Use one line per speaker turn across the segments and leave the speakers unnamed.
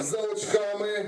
за очками.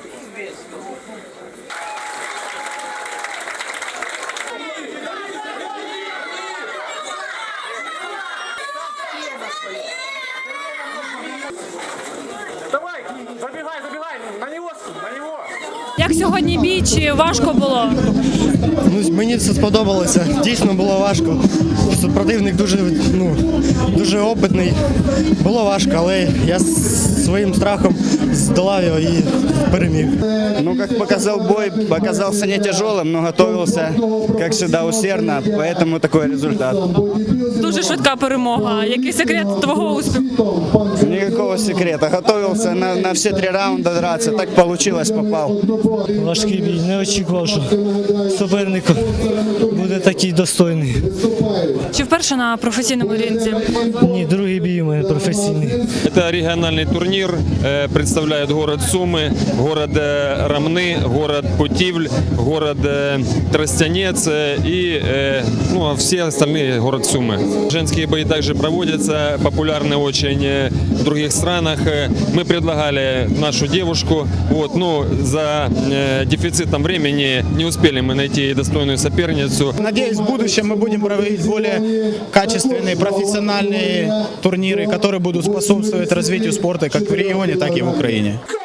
Давай, забегай, на него.
Як сьогодні бій, чи важко було?
Ну, мені це сподобалося. Дійсно було важко. Супротивник дуже опитний. Було важко, але я своїм страхом здолав його і переміг.
Ну, как показал бой, оказался не тяжелым, но готовился, как всегда, усердно, поэтому такой результат.
Дуже швидка перемога. Який секрет твого успіху?
Никакого секрета. Готовился на все 3 раунда драться, так получилось, попал.
Важкий бій. Не очікував, що суперник буде такий достойний.
Чи вперше на професійному ринці?
Ні, другий бій у мене професійний.
Это региональный турнир, представляет город Сумы, город Ромны, город Путивль, город Тростянец и все остальные город Сумы. Женские бои также проводятся, популярны очень в других странах. Мы предлагали нашу девушку, за дефицитом времени не успели мы найти достойную соперницу.
Надеюсь, в будущем мы будем проводить более качественные, профессиональные турниры, которые будут способствовать развитию спорта как в регионе, так и в Украине.